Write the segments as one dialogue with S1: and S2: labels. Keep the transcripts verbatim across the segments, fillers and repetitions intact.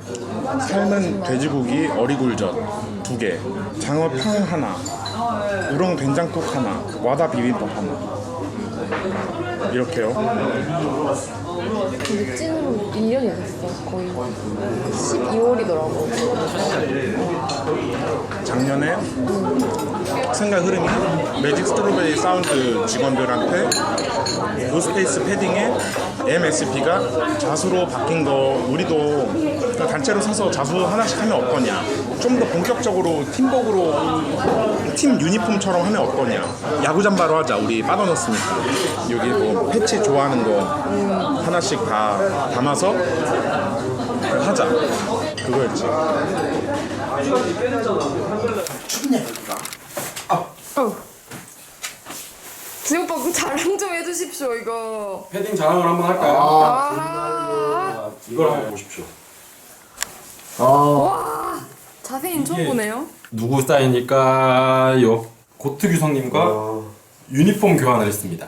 S1: 삶은 돼지고기 어리굴젓 두 개, 장어탕 하나, 우렁 된장국 하나, 와다 비빔밥 하나. 이렇게요.
S2: 근데 찐으로 일 년이 됐어. 거의 십이월이더라고.
S1: 작년에 생각 흐름이 매직 스트로베리 사운드 직원들한테 노스페이스 패딩에 엠에스피가 자수로 바뀐 거 우리도 단체로 사서 자수 하나씩 하면 어떠냐, 좀 더 본격적으로 팀복으로 팀 유니폼처럼 하면 어떠냐, 야구 잠바로 하자, 우리 빠져넣었으니까. 여기 뭐 패치 좋아하는 거 하나씩 다 담아서 하자, 그거였지.
S3: 춥네 여기가.
S2: 어. 지금 오빠 그 자랑 좀 해주십시오 이거.
S4: 패딩 자랑을 한번 할까요?
S3: 아,
S2: 아,
S4: 이걸 한번 보십시오.
S3: 아,
S2: 와, 자세히는 처음
S4: 이게-
S2: 보네요.
S4: 누구 사인일까요? 고트규성님과
S3: 아.
S4: 유니폼 교환을 했습니다.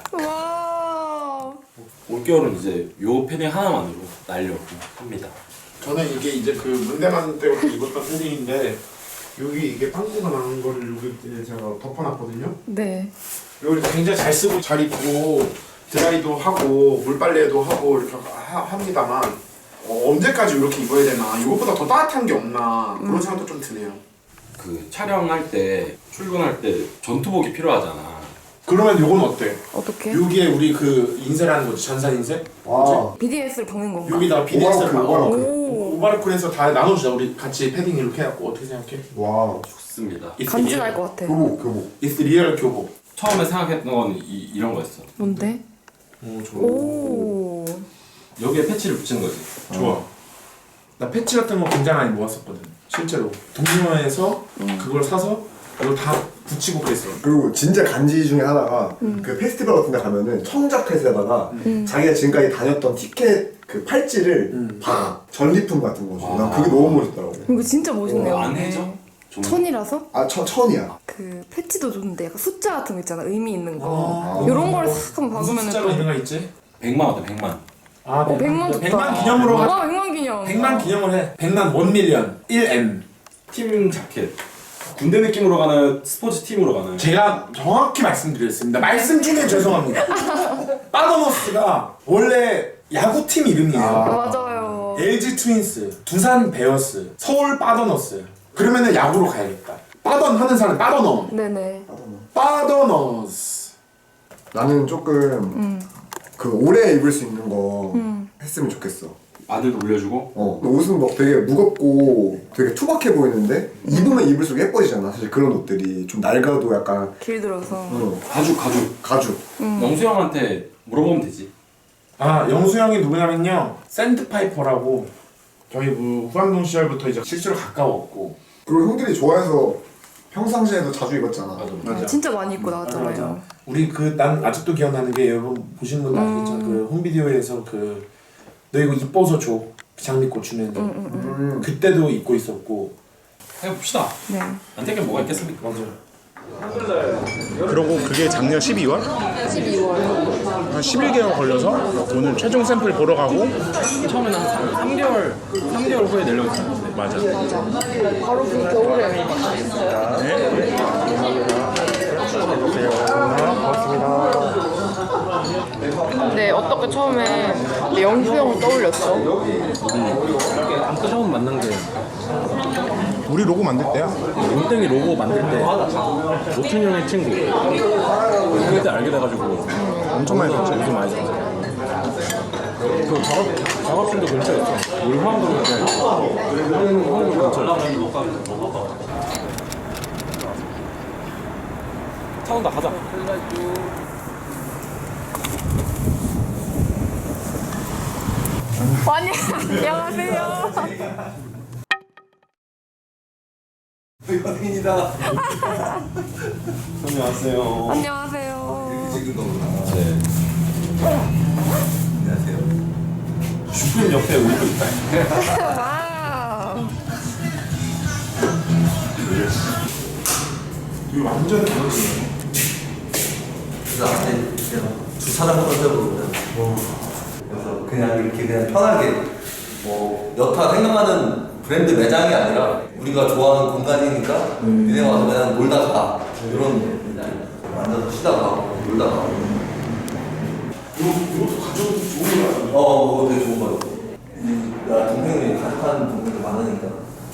S2: 와,
S4: 올겨울은 이제 요 패딩 하나만으로 날려고 합니다.
S3: 저는 이게 이제 그 문대만 때부터 입었던 패딩인데 여기 이게 빵꾸가 나는 거를 여기 제가 덮어놨거든요.
S2: 네.
S3: 여기 굉장히 잘 쓰고 잘 입고 드라이도 하고 물빨래도 하고 이렇게 하, 합니다만 어, 언제까지 이렇게 입어야 되나, 이것보다 더 따뜻한 게 없나 그런 생각도 좀 드네요.
S4: 그 촬영할 때 출근할 때 전투복이 필요하잖아.
S3: 그러면 요건 어때?
S2: 어떻게?
S3: 여기에 우리 그 인쇄라는 거지, 전산 인쇄?
S5: 와.
S2: 비디에스를 박는 건가?
S3: 여기다가 비디에스를
S5: 오바로크,
S3: 박아.
S5: 오바로크.
S2: 오,
S3: 오바르쿨에서 다 나눠주자. 우리 같이 패딩 이렇게 해갖고. 어떻게 생각해?
S5: 와.
S4: 좋습니다.
S3: It's
S2: 간지날
S3: real.
S2: 것 같아.
S5: 교복, 교복.
S3: It's real 교복.
S4: 처음에 생각했던 건 이, 이런 거였어.
S2: 뭔데?
S3: 오, 좋아.
S2: 오,
S4: 여기에 패치를 붙이는 거지.
S3: 좋아. 나 패치 같은 거 굉장히 많이 모았었거든. 실제로. 동심원에서 그걸 사서 이걸 다 붙이고 그랬어.
S5: 그리고 진짜 간지 중에 하나가 그 페스티벌 같은 데 가면은 청자켓에다가 자기가 지금까지 다녔던 티켓 그 팔찌를
S3: 음.
S5: 박아. 전리품 같은 거지. 난
S4: 아.
S5: 그게 너무 멋있더라고.
S2: 이거 진짜 멋있네요.
S4: 안
S2: 이게.
S4: 해져? 좀
S2: 천이라서?
S5: 아, 천, 천이야.
S2: 그 패치도 좋은데 약간 숫자 같은 거 있잖아, 의미 있는 거.
S3: 아.
S2: 이런 거를 싹 한번
S3: 무슨
S2: 박으면
S3: 숫자로 이런 거 있지?
S4: 백만 원대 백만.
S3: 아,
S2: 어, 백만 좋다.
S3: 백만 기념으로 가.
S2: 와, 백만 기념.
S3: 백만 기념을 해. 백만 원 밀리언. 일 엠.
S4: 팀 자켓. 군대 느낌으로 가나요? 스포츠 팀으로 가나요?
S3: 제가 정확히 말씀드렸습니다. 말씀 중에 죄송합니다. 빠더너스가 원래 야구팀 이름이에요.
S2: 아, 맞아요.
S3: 엘지 트윈스, 두산 베어스, 서울 빠더너스. 그러면은 야구로 가야겠다. 빠던 하는 사람 빠더너.
S2: 네네.
S3: 빠더너스.
S5: 나는 조금
S2: 음.
S5: 그 오래 입을 수 있는 거
S2: 음.
S5: 했으면 좋겠어.
S4: 아들도 올려주고.
S5: 어, 옷은 막 되게 무겁고 되게 투박해 보이는데 입으면 입을수록 예뻐지잖아. 사실 그런 옷들이 좀 낡아도 약간
S2: 길들어서.
S5: 어,
S4: 가죽 가죽.
S5: 가죽.
S4: 영수 형한테 물어보면 되지.
S3: 아, 영수 형이 누구냐면요, 샌드파이퍼라고 저희 그 후암동 시절부터 이제 실제로 가까웠고.
S5: 그리고 형들이 좋아해서 평상시에도 자주 입었잖아.
S2: 아, 진짜 많이 입고 나왔잖아요.
S3: 맞아. 우리 그 난 아직도 기억나는 게, 여러분 보시는 분들 알겠죠? 그 홈비디오에서 그 너 이거 이뻐서 줘 장미꽃 주면서
S5: 음.
S3: 그때도 입고 있었고.
S4: 해봅시다.
S2: 네.
S4: 안 되게 뭐가 있겠습니까?
S3: 맞아.
S1: 그러고 그게 작년 십이월?
S2: 십이월.
S1: 한 십일 개월 걸려서 오늘 최종 샘플 보러 가고.
S4: 처음에는 한 삼 개월 삼 개월 후에 내려고 했는데.
S1: 맞아.
S2: 바로 그 겨울에.
S1: 네.
S2: 근데 어떻게 처음에 영수 형을 떠올렸어?
S6: 처음 만난 게
S1: 우리 로고 만들 때야.
S6: 롱땡이 로고 만들 때 노춘 형의 친구 그때 알게 돼가지고
S1: 엄청 많이
S6: 거기서
S1: 봤지.
S6: 요즘 많이 샀어. 그 작업, 작업실도 근처였어. 우리 화암동 근처에 화암동 근처에 차 온다 가자.
S2: 아니, 안녕하세요.
S6: 여행이다. 안녕하세요.
S2: 안녕하세요.
S6: 네. 안녕하세요. 슈프림 옆에 우리도 있다.
S2: 와우.
S3: 이거 완전 다르지.
S7: 그래서 안에 주차장 컨셉으로 그래서 그냥 이렇게 그냥 편하게 뭐 여타 생각나는 브랜드 매장이 아니라 우리가 좋아하는 공간이니까 니네 와서 그냥 놀다 가 이런 느낌. 앉아서 쉬다가 가고 놀다 가고.
S3: 이거, 이것도 가져도 좋은 거 같아요.
S7: 어, 그거 되게 좋은 거 같아. 나 동생이 가족하는 동생들 많으니까.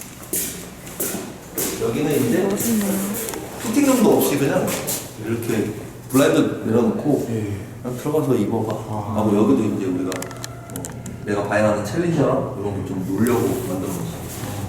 S7: 여기는 이제 피팅룸도 없이 그냥 이렇게 블라인드 내려놓고 그냥 들어가서 입어봐 하고 여기도 이제 우리가 뭐 내가 봐야 하는 챌린저랑 이런 거 좀 놀려고 만들어놨어.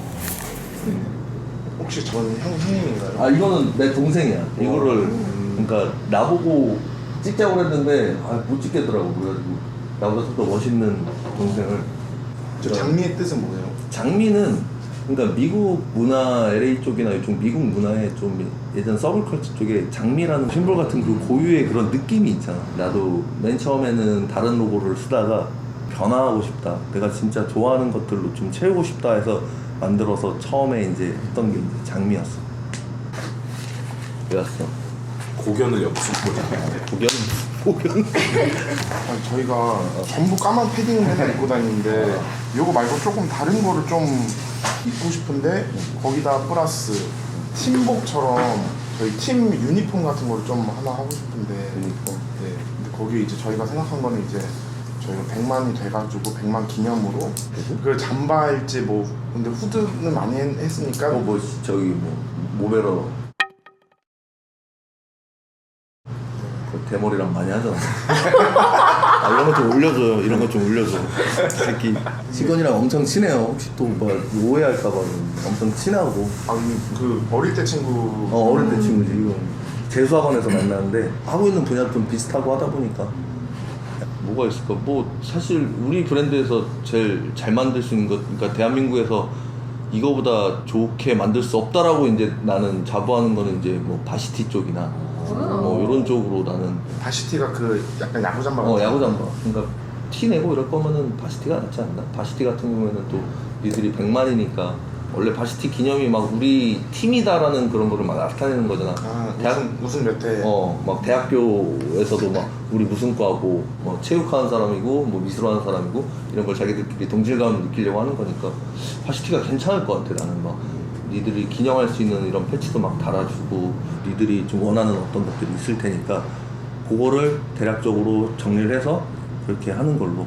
S1: 혹시 전 형, 형님인가요?
S7: 아 이거는 내 동생이야. 이거를 그러니까 나보고 찍자고 했는데 아, 못 찍겠더라고. 그래가지고 나보다 좀 더 멋있는 동생을.
S1: 저 장미의 뜻은 뭐예요?
S7: 장미는 그러니까 미국 문화 엘에이 쪽이나 이쪽 미국 문화에 좀 예전 서브컬처 쪽에 장미라는 심볼 같은 그 고유의 그런 느낌이 있잖아. 나도 맨 처음에는 다른 로고를 쓰다가 변화하고 싶다. 내가 진짜 좋아하는 것들로 좀 채우고 싶다 해서 만들어서 처음에 이제 했던 게 이제 장미였어. 왜왔어?
S4: 고견을 엮으신 거예요.
S7: 고견? 고견?
S1: 아니, 저희가 전부 까만 패딩을 맨날 입고 다니는데 이거 말고 조금 다른 거를 좀 입고 싶은데 거기다 플러스 팀복처럼 저희 팀 유니폼 같은 거를 좀 하나 하고 싶은데
S7: 유니폼?
S1: 네. 근데 거기 이제 저희가 생각한 거는 이제 저희가 백만이 돼가지고 백만 기념으로 그 잠바일지 뭐 근데 후드는 많이 했- 했으니까
S7: 어, 뭐 저기 뭐 모베러 그 대머리랑 많이 하잖아. 아, 이런 거 좀 올려줘요. 이런 거 좀 올려줘. 새끼 직원이랑 엄청 친해요. 혹시 또 뭐 오해할까봐 엄청 친하고.
S1: 아니 그 어릴 때 친구
S7: 어 어릴 때 친구지. 이거 재수학원에서 만났는데 하고 있는 분야 좀 비슷하고 하다 보니까 뭐가 있을까? 뭐 사실 우리 브랜드에서 제일 잘 만들 수 있는 것, 그러니까 대한민국에서 이거보다 좋게 만들 수 없다라고 이제 나는 자부하는 거는 이제 뭐 바시티 쪽이나 뭐 이런 쪽으로 나는
S1: 바시티가 그 약간 야구 잠바
S7: 어 야구 잠바. 그러니까 티 내고 이럴 거면은 바시티가 낫지 않나? 바시티 같은 경우에는 또 니들이 백만이니까 원래 바시티 기념이 막 우리 팀이다라는 그런 거를 막 나타내는 거잖아.
S1: 아,
S7: 대학,
S1: 우승 우승 몇 회?
S7: 어, 막 대학교에서도 막 우리 무슨 과고, 뭐 체육하는 사람이고, 뭐 미술하는 사람이고 이런 걸 자기들끼리 동질감을 느끼려고 하는 거니까 바시티가 괜찮을 것 같아. 나는 막 니들이 기념할 수 있는 이런 패치도 막 달아주고, 니들이 좀 원하는 어떤 것들이 있을 테니까 그거를 대략적으로 정리를 해서 그렇게 하는 걸로.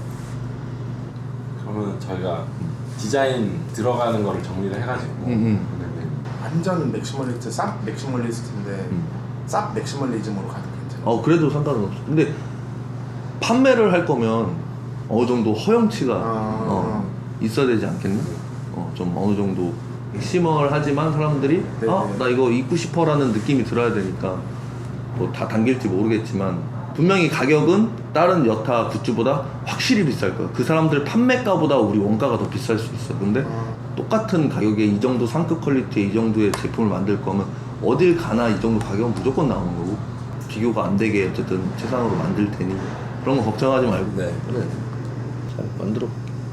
S4: 그러면 저희가 디자인 들어가는 거를 정리를 해가지고
S7: 음,
S1: 완전 맥시멀리스트, 쌉 맥시멀리스트인데
S7: 음.
S1: 쌉 맥시멀리즘으로 가도 괜찮아.
S7: 어 그래도 상관은 없어. 근데 판매를 할 거면 어느 정도 허용치가
S1: 아.
S7: 어, 있어야 되지 않겠나? 어, 좀 어느 정도 심얼 하지만 사람들이
S1: 네네.
S7: 아, 나 이거 입고 싶어라는 느낌이 들어야 되니까 뭐 다 당길지 모르겠지만 분명히 가격은 다른 여타 굿즈보다 확실히 비쌀 거야. 그 사람들 판매가보다 우리 원가가 더 비쌀 수 있어. 근데
S1: 아.
S7: 똑같은 가격에 이 정도 상급 퀄리티의 이 정도의 제품을 만들 거면 어딜 가나 이 정도 가격은 무조건 나오는 거고 비교가 안 되게 어쨌든 최상으로 만들 테니 그런 거 걱정하지 말고 네 그래 잘 만들어.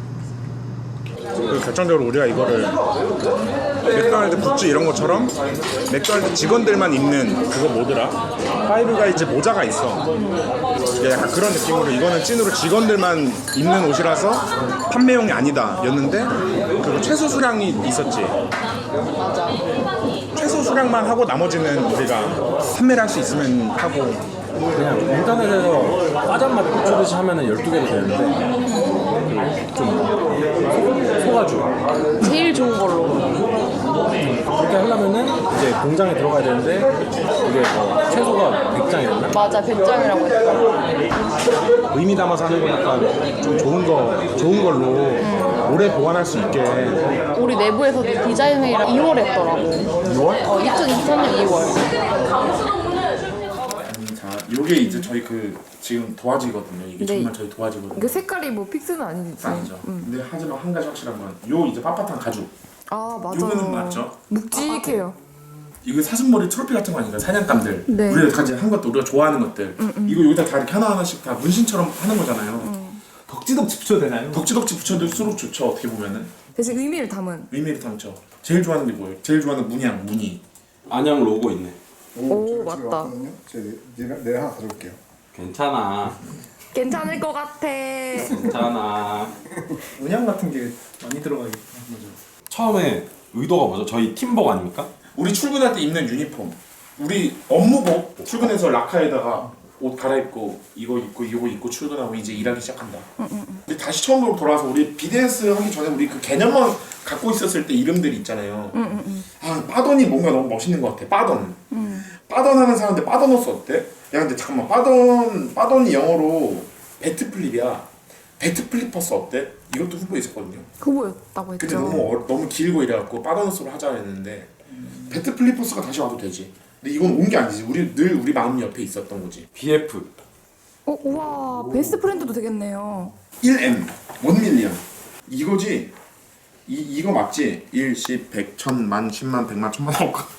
S1: 그 결정적으로 우리가 이거를 맥도날드 굿즈 이런 것처럼 맥도날드 직원들만 입는 그거 뭐더라? 파이브가이즈 모자가 있어. 이게 약간 그런 느낌으로 이거는 찐으로 직원들만 입는 옷이라서 판매용이 아니다 였는데 그 최소 수량이 있었지.
S2: 맞아.
S1: 최소 수량만 하고 나머지는 우리가 판매를 할 수 있으면 하고.
S6: 그냥 인터넷에서 과자맛 꽂히듯이 하면은 열두 개도 되는데 좀 속아줘.
S2: 제일 좋은 걸로.
S6: 그렇게 하려면은 이제 공장에 들어가야 되는데 이게 뭐 최소가 백 장이었나?
S2: 맞아, 백 장이라고 했어.
S1: 의미 담아서 하는 거 약간 좀 좋은 거 좋은 걸로 오래 보관할 수 있게.
S2: 우리 내부에서도 디자인 회의를 이월에 했더라고.
S1: 이월?
S2: 어, 이천이십삼 년 이월.
S3: 자, 요게 이제 저희 그 지금 도화지거든요. 이게
S2: 네.
S3: 정말 저희 도화지거든요.
S2: 그 색깔이 뭐 픽스는 아니지.
S3: 아니죠. 근데 하지만 한 가지 확실한 건 요 이제 빳빳한 가죽.
S2: 아, 맞아요.
S3: 요거는 맞죠?
S2: 묵직해요.
S3: 이거 사슴머리 트로피 같은 거 아닌가요? 사냥감들.
S2: 네.
S3: 우리가 가진 한 것도 우리가 좋아하는 것들. 이거 여기다 다 이렇게 하나하나씩 다 문신처럼 하는 거잖아요.
S8: 덕지덕지 붙여도 되나요?
S3: 덕지덕지 붙여둘수록 좋죠. 어떻게 보면은
S2: 대신 의미를 담은.
S3: 의미를 담죠. 제일 좋아하는 게 뭐예요? 제일 좋아하는 문양, 무늬.
S4: 안양 로고 있네.
S2: 오, 맞다.
S5: 제가 내가 하나 가져올게요.
S4: 괜찮아.
S2: 괜찮을 것 같아.
S4: 괜찮아.
S8: 문양 같은 게 많이 들어가 있고
S6: 처음에 의도가 뭐죠? 저희 팀복 아닙니까?
S1: 우리 출근할 때 입는 유니폼, 우리 업무복 출근해서 라카에다가 옷 갈아입고 이거 입고 이거 입고 출근하고 이제 일하기 시작한다. 근데 다시 처음으로 돌아와서 우리 비디에스 하기 전에 우리 그 개념만 갖고 있었을 때 이름들이 있잖아요. 아 빠던이 뭔가 너무 멋있는 것 같아. 빠던. 빠던 하는 사람한테 빠던호스 어때? 야 근데 잠깐만 빠던 빠던이 영어로 배트 플립이야. 배트 플리퍼스 어때? 이것도 후보에 있었거든요.
S2: 후보였다고 했죠.
S1: 근데 너무 어, 너무 길고 이래갖고 빠던호스로 하자 했는데 배트 플리퍼스가 다시 와도 되지. 근데 이건 온 게 아니지. 우리 늘 우리 마음 옆에 있었던 거지.
S6: 비에프.
S9: 어, 우와, 베스트 프렌드도 되겠네요.
S1: 일 엠, 일 밀리언. 이거지? 이, 이거 맞지? 일, 십, 백, 천, 만, 십만, 백만, 천만 나올까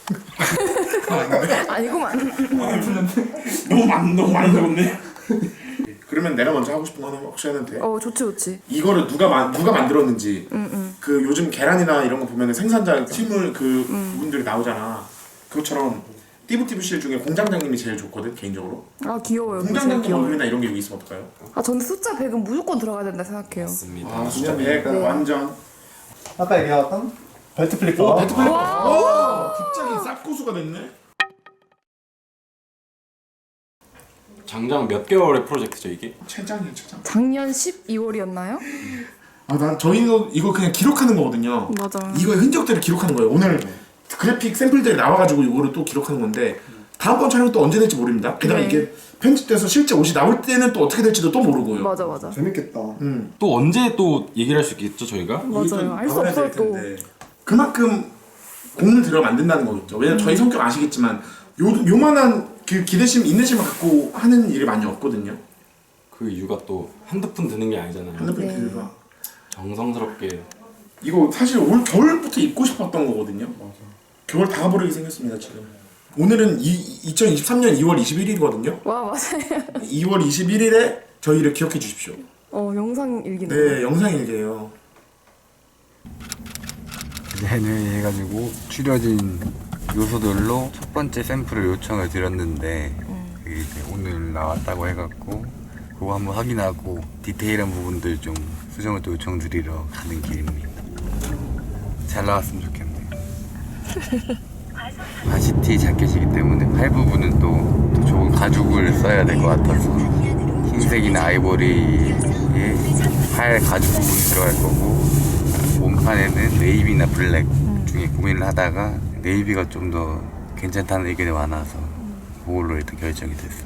S9: 아니구만.
S1: 너무 많, 너무 많이 들었네. 그러면 내가 먼저 하고 싶은 거 하나 혹시 해도 돼?
S9: 어, 좋지, 좋지.
S1: 이거를 누가 마, 누가 만들었는지
S9: 응, 응.
S1: 그 요즘 계란이나 이런 거 보면 생산자 팀을 그 분들이 나오잖아. 그것처럼 띠부띠부실 중에 공장장님이 제일 좋거든 개인적으로.
S9: 아, 귀여워요. 진짜
S1: 공장장님
S9: 귀여워요.
S1: 얼굴이나 이런 게 여기 있으면 어떨까요?
S9: 아, 저는 숫자 백은 무조건 들어가야 된다 생각해요.
S6: 맞습니다.
S1: 아 진짜 백
S9: 네.
S1: 완전.
S5: 아까 얘기했던 벨트 플리퍼.
S1: 오 배트 플리퍼. 와 갑자기 쌉고수가 됐네.
S6: 장장 몇 개월의 프로젝트죠 이게?
S1: 최장이야 최장.
S9: 작년 십이월이었나요?
S1: 아 난 저희도 이거 그냥 기록하는 거거든요.
S9: 맞아.
S1: 이거의 흔적들을 기록하는 거예요. 오늘 그래픽 샘플들이 나와가지고 이거를 또 기록하는 건데 다음번 촬영 또 언제 될지 모릅니다. 게다가
S9: 네.
S1: 이게 편집돼서 실제 옷이 나올 때는 또 어떻게 될지도 또 모르고요.
S9: 맞아, 맞아.
S5: 재밌겠다.
S1: 음.
S6: 또 언제 또 얘기를 할 수 있겠죠 저희가?
S9: 맞아요. 알 수
S1: 나와야
S9: 없어요,
S1: 될
S9: 또.
S1: 텐데. 그만큼 공을 들여 만든다는 거겠죠. 왜냐면 저희 성격 아시겠지만 요 요만한 그 기대심 인내심을 갖고 하는 일이 많이 없거든요.
S6: 그 이유가 또 한두 푼 드는 게 아니잖아요.
S1: 핸드폰
S9: 네.
S1: 기회가.
S6: 정성스럽게.
S1: 이거 사실 올 겨울부터 입고 싶었던 거거든요. 겨울 다 버리게 생겼습니다 지금. 오늘은 이, 이천이십삼 년 이월 이십일일이거든요.
S9: 와, 맞아요.
S1: 이월 이십일일에 저희를 기억해 주십시오.
S9: 어, 영상 일기네.
S1: 네, 영상 일기예요.
S10: 회의 해가지고 추려진 요소들로 첫 번째 샘플을 요청을 드렸는데 그게 이제 오늘 나왔다고 해갖고 그거 한번 확인하고 디테일한 부분들 좀 수정을 또 요청드리러 가는 길입니다. 잘 나왔으면 좋겠네요. 바시티 자켓이기 때문에 팔 부분은 또, 또 좋은 가죽을 써야 될 것 같아서 흰색이나 아이보리에 팔 가죽 부분이 들어갈 거고 몸판에는 네이비나 블랙 중에 고민을 하다가 네이비가 좀 더 괜찮다는 의견이 많아서 그걸로 일단 결정이 됐습니다.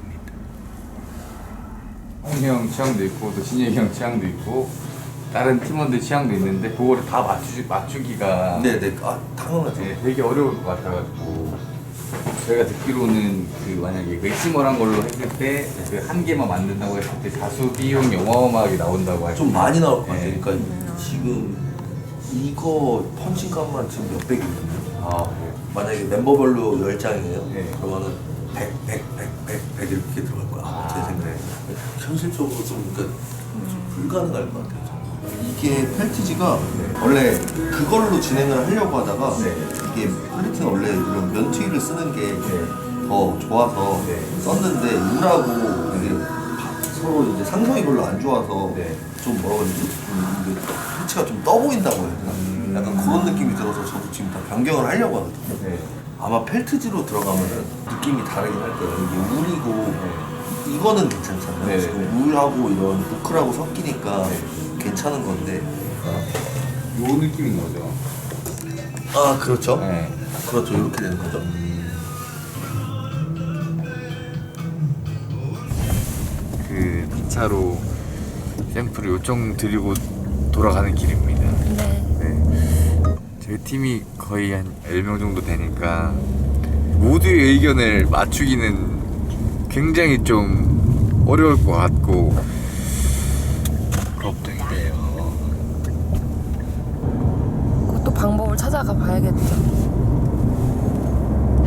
S10: 홍희 형 취향도 있고 또 진혁이 형 취향도 있고 다른 팀원들 취향도 있는데 그거를 다 맞추, 맞추기가
S7: 네네. 아 당연하죠.
S10: 네, 되게 어려울 것 같아가지고 저희가 듣기로는 그 만약에 맥시멀한 걸로 했을 때 그 한 개만 만든다고 했을 때 다수 비용이 어마어마하게 나온다고
S7: 좀 많이 나올 것 같아요.
S10: 네.
S7: 그러니까 지금 이거 펀칭값만 지금 몇백이거든요.
S10: 아, 그래요?
S7: 만약에 멤버별로 열 장이에요.
S10: 네.
S7: 그러면은 백, 백, 백, 백, 백 이렇게 들어갈 거야.
S10: 아,
S7: 제 생각에.
S10: 네.
S7: 현실적으로 좀, 그러니까 좀 불가능할 것 같아요. 저는. 이게 펠티지가 원래 그걸로 진행을 하려고 하다가
S10: 네.
S7: 이게 펠티는 원래 이런 면티를 쓰는 게 더 좋아서
S10: 네.
S7: 썼는데 우라고 이게 서로 이제 상성이 별로 안 좋아서
S10: 네.
S7: 좀 뭐라고 해야 되지? 좀 이게 펠티가 좀 떠 보인다고 해야 되나?
S10: 음.
S7: 약간 그런 느낌이 들어서 저도 지금 다 변경을 하려고 하거든요.
S10: 네.
S7: 아마 펠트지로 들어가면은 느낌이 다르긴 할 거예요. 이게 울이고 이거는 괜찮잖아요.
S10: 네.
S7: 지금 울하고 이런 부클하고 섞이니까 괜찮은 건데.
S10: 요 느낌인 거죠?
S7: 아 그렇죠.
S10: 네.
S7: 그렇죠. 이렇게 되는 거죠.
S10: 그 이 차로 샘플을 요청드리고 돌아가는 길입니다.
S9: 네.
S10: 네. 저희 팀이 거의 한 열 명 정도 되니까 모두의 의견을 맞추기는 굉장히 좀 어려울 것 같고 걱정이 돼요.
S9: 그것도 방법을 찾아가 봐야겠죠.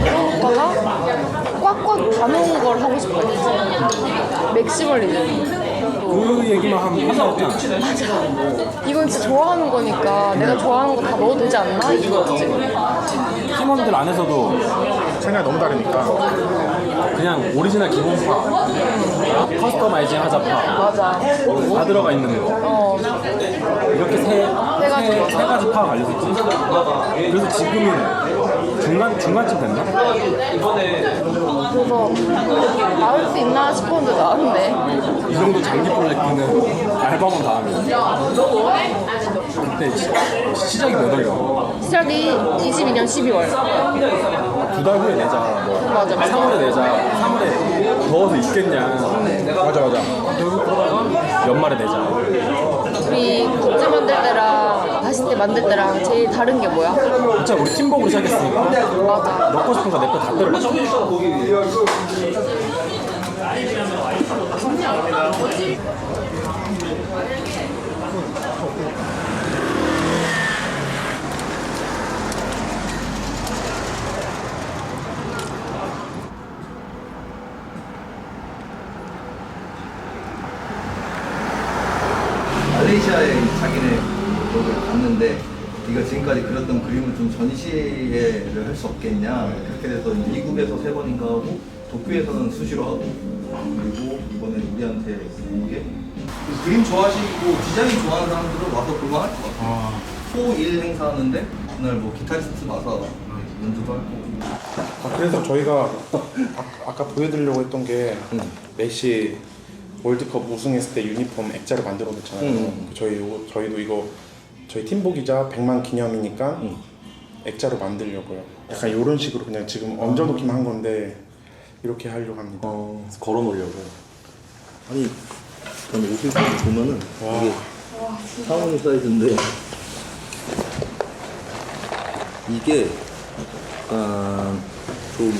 S2: 오빠가 꽉꽉 다놓은 걸 하고 싶어요. 맥시멀리즘.
S6: 그 얘기만 하면 끝났잖아.
S2: 이건 진짜 좋아하는 거니까 내가 좋아하는 거 다 넣어도 되지 않나? 이거지.
S6: 팀원들 안에서도
S1: 생각이 너무 다르니까.
S6: 그냥 오리지널 기본파, 커스터마이징 하자 파,
S2: 맞아.
S6: 다 들어가 있는 거.
S2: 어.
S6: 이렇게 세,
S2: 가지.
S6: 세, 세 가지 파가 갈려있지. 그래서 지금은 중간, 중간쯤 됐나?
S2: 그래서 나을 수 있나 싶었는데 나왔네.
S6: 이 정도 장기 프로젝트는 알바만 다 하면. 그때 시, 시작이 몇 월이야?
S2: 시작이 이십이 년 십이월.
S6: 두 달 후에 내자, 뭐.
S2: 맞아.
S6: 삼월에 내자. 삼월에 더워서 있겠냐.
S1: 맞아 맞아.
S6: 결국 그러다가 연말에 내자.
S2: 우리 굿즈 만들 때랑 바시티 만들 때랑 제일 다른 게 뭐야?
S6: 진짜 우리 팀복으로 시작했으니까.
S2: 맞아.
S6: 넣고 싶은 거 내 거 다 때려 맞춰.
S7: 말레이시아에 자기네 거기를 갔는데 네가 지금까지 그렸던 그림을 좀 전시회를 할 수 없겠냐. 그렇게 돼서 미국에서 세 번인가 하고 도쿄에서는 수시로 하고 그리고 이번에 우리한테 이게 그림 좋아하시고 디자인 좋아하는 사람들은 와서 볼만할 것 같아요.
S1: 아.
S7: 토일 행사하는데 그날 뭐 기타리스트 와서 연주도 할 거고.
S1: 아, 그래서 저희가 아, 아까 보여드리려고 했던 게
S7: 응.
S1: 메시 월드컵 우승했을 때 유니폼 액자를 만들어냈잖아요.
S7: 응.
S1: 저희 저희도 이거 저희 팀복이자 백만 기념이니까
S7: 응.
S1: 액자로 만들려고요. 약간 이런 식으로 그냥 지금 얹어놓기만 한 건데 이렇게 하려고 합니다.
S6: 어, 걸어 놓으려고.
S7: 아니 저는 옷을 보면은 이게 상온이 사이즈인데 이게 약간 좀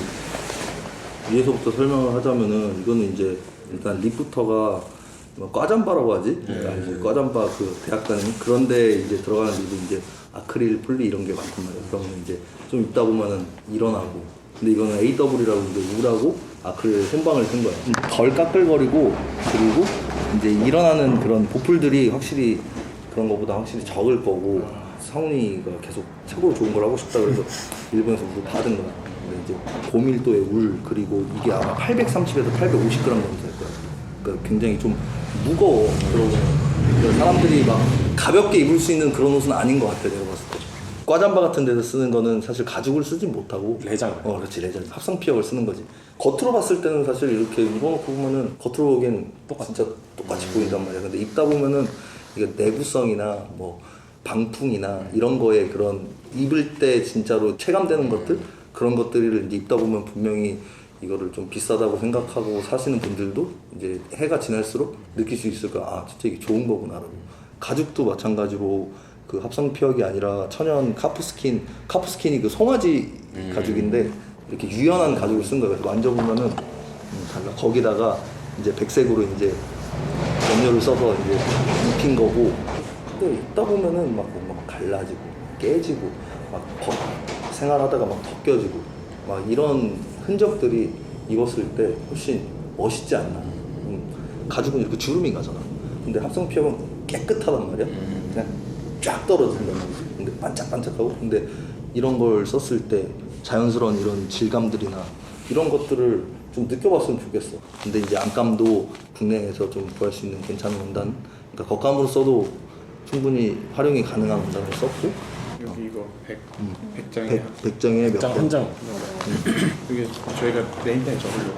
S7: 위에서부터 설명을 하자면은 이거는 이제 일단 립부터가 뭐 과잠바라고 하지? 그러니까 이제 과잠바 그 대학 다니는 그런데 이제 들어가는 립이 이제 아크릴, 폴리 이런 게 많단 말이야. 그러면 이제 좀 입다 보면은 일어나고. 근데 이거는 에이더블유라고 이제 울하고 아크릴 생방을 쓴 거야. 덜 까끌거리고 그리고 이제 일어나는 그런 보풀들이 확실히 그런 거보다 확실히 적을 거고 성훈이가 계속 최고로 좋은 걸 하고 싶다 그래서 일본에서 물 받은 거야. 근데 이제 고밀도의 울 그리고 이게 아마 팔백삼십에서 팔백오십 그램 정도 될 거야. 그러니까 굉장히 좀 무거워. 그러고 사람들이 막 가볍게 입을 수 있는 그런 옷은 아닌 것 같아 내가 봤을 때. 과잠바 같은 데서 쓰는 거는 사실 가죽을 쓰진 못하고
S6: 레장.
S7: 어 그렇지 레장 합성 피혁을 쓰는 거지. 겉으로 봤을 때는 사실 이렇게 입어놓고 보면은 겉으로 보기엔 똑같이 진짜 똑같이 음. 보인단 말이야. 근데 입다 보면은 이게 내구성이나 뭐 방풍이나 이런 거에 그런 입을 때 진짜로 체감되는 것들 그런 것들을 이제 입다 보면 분명히 이거를 좀 비싸다고 생각하고 사시는 분들도 이제 해가 지날수록 느낄 수 있을 거야. 아 진짜 이게 좋은 거구나라고. 가죽도 마찬가지로 그 합성 피혁이 아니라 천연 카프스킨, 카프스킨이 그 송아지 음. 가죽인데 이렇게 유연한 가죽을 쓴 거예요. 그래서 만져보면은 음, 달라. 거기다가 이제 백색으로 이제 염료를 써서 이제 입힌 거고. 근데 입다 보면은 막 뭔가 막 갈라지고 깨지고 막 벗, 생활하다가 막 벗겨지고 막 이런 흔적들이 입었을 때 훨씬 멋있지 않나. 음, 가죽은 이렇게 주름이 가잖아. 근데 합성 피혁은 깨끗하단 말이야. 그냥 쫙 떨어진단 말이야. 근데 반짝반짝하고. 근데 이런 걸 썼을 때 자연스러운 이런 질감들이나 이런 것들을 좀 느껴봤으면 좋겠어. 근데 이제 안감도 국내에서 좀 구할 수 있는 괜찮은 원단, 그러니까 겉감으로 써도 충분히 활용이 가능한 원단을 썼고.
S1: 여기 이거 백, 음. 백장에
S7: 백, 백장에 몇
S6: 장
S7: 장?
S6: 한 장.
S1: 이게 저희가 네임펜 적으려고.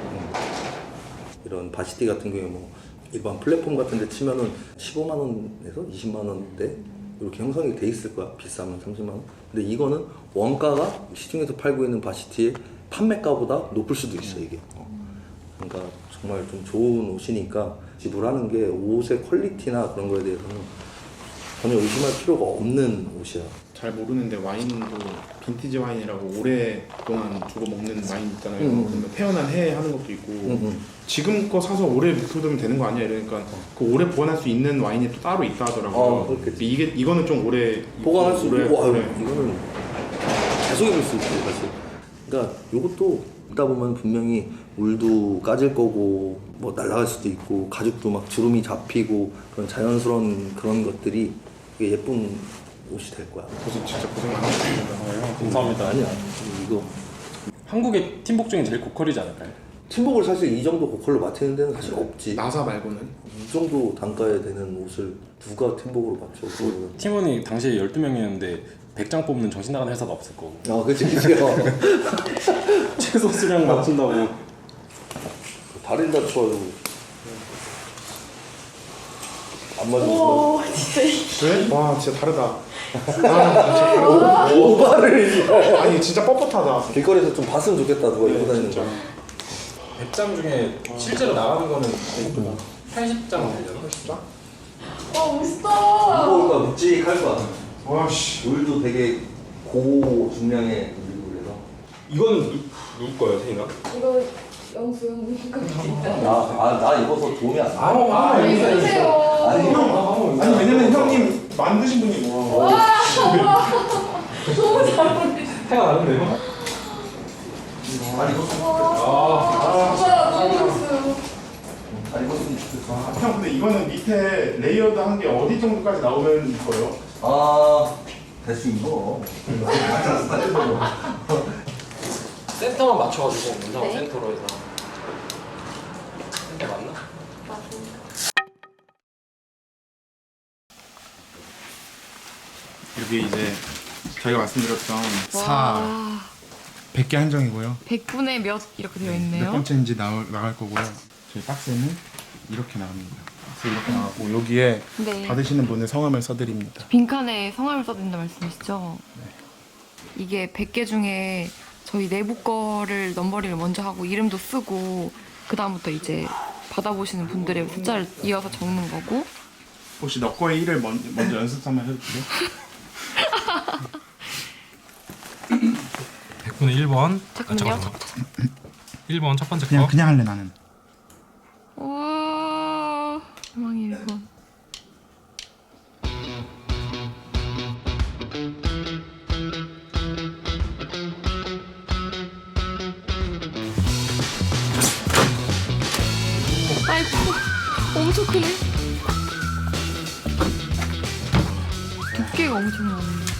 S7: 이런 바시티 같은 경우에 뭐 일반 플랫폼 같은 데 치면은 십오만 원에서 이십만 원대 이렇게 형성이 돼 있을 거야. 비싸면 삼십만 원. 근데 이거는 원가가 시중에서 팔고 있는 바시티의 판매가보다 높을 수도 있어 이게. 어. 그러니까 정말 좀 좋은 옷이니까 지불하는 게 옷의 퀄리티나 그런 거에 대해서는 전혀 의심할 필요가 없는 옷이야.
S1: 잘 모르는데 와인도 빈티지 와인이라고 오랫동안 두고 먹는 와인 있잖아요.
S7: 음.
S1: 그러면 태어난 해 하는 것도 있고
S7: 음, 음.
S1: 지금 거 사서 오래 묵혀두면 되는 거 아니야? 이러니까 그 오래 보관할 수 있는 와인이 또 따로 있다 하더라고요.
S7: 어, 그렇겠지.
S1: 근데 이게 이거는 좀 오래
S7: 보관할 수
S1: 오래-
S7: 있고, 아유,
S1: 오래-
S7: 이거는 계속 입을 수 있지 사실. 그러니까 이것도 있다 보면 분명히 물도 까질 거고 뭐 날아갈 수도 있고 가죽도 막 주름이 잡히고 그런 자연스러운 그런 것들이 되게 예쁜 옷이 될 거야.
S1: 고생 진짜 고생 많으셨습니다.
S6: 감사합니다.
S7: 아니야 이거
S6: 한국의 팀복 중에 제일 고퀄이지 않을까요?
S7: 팀복을 사실 이 정도 고퀄로 맞추는 데는 사실 없지.
S3: 나사 말고는
S7: 이 정도 단가에 되는 옷을 누가 팀복으로 맞춰? 그거는.
S6: 팀원이 당시에 열두 명이었는데 백 장 뽑는 정신 나간 회사도 없을 거고.
S7: 아 그치 그치. 어.
S6: 최소 수량 맞춘다고.
S7: 다리를 다쳐가지고 안 맞으면
S2: 오 진짜
S3: 그래? 와 진짜 다르다. 아 진짜 다르다.
S7: 오바를
S3: 아니 진짜 뻣뻣하다.
S7: 길거리에서 좀 봤으면 좋겠다 누가 입고 다니는 거.
S6: 백 장 중에 실제로 나가는 거는 팔십 장 되려나?
S3: 팔십 장?
S2: 와 멋있다.
S7: 무거울까 묵직할 거야.
S3: 와씨.
S7: 물도 되게 고중량의 물이고 그래서.
S6: 이거는 누, 누구 거예요, 세인아?
S2: 이거 영수 형님 거 같다.
S7: 나나 입어서 도움이 안 돼.
S3: 아,
S2: 왜 그러세요?
S7: 아니
S3: 아니 왜냐면 형님 만드신 분이 뭐.
S2: 와 와. 너무 잘 어울리시네.
S6: 해가 나는데요?
S7: 아니 이거
S2: 와 진짜 너무 멋있어요.
S7: 아니 이거 좋겠어.
S3: 아, 형 근데 이거는 밑에 레이어드 한 게 어디 정도까지 나오면 거예요?
S7: 아 대충 이거.
S6: 센터만 맞춰가지고 문상
S2: 네.
S6: 센터로 해서. 센터 맞나?
S1: 여기 이제 저희가 말씀드렸던 사
S2: 와.
S1: 백 개 한정이고요.
S2: 백 분의 몇 이렇게 되어
S1: 몇
S2: 있네요.
S1: 번째인지 나올, 나갈 거고요. 저희 박스는 이렇게 나갑니다. 박스 이렇게 나가고 여기에
S2: 네.
S1: 받으시는 분의 성함을 써드립니다.
S2: 빈칸에 성함을 써준다 말씀이시죠? 이게 백 개 중에 저희 내부 거를 넘버링을 먼저 하고 이름도 쓰고 그 다음부터 이제 받아보시는 분들의 숫자를 이어서 적는 거고.
S1: 혹시 너 거의 일을 먼저, 먼저 연습 한번 해도 돼요?
S11: 백 분의 일 번.
S2: 잠깐만요.
S11: 일 번 첫 번째
S1: 그냥
S11: 거.
S1: 그냥 할래 나는.
S2: 우와 희망이 일 번. 아이고 엄청 크네. 두께가 엄청 많네.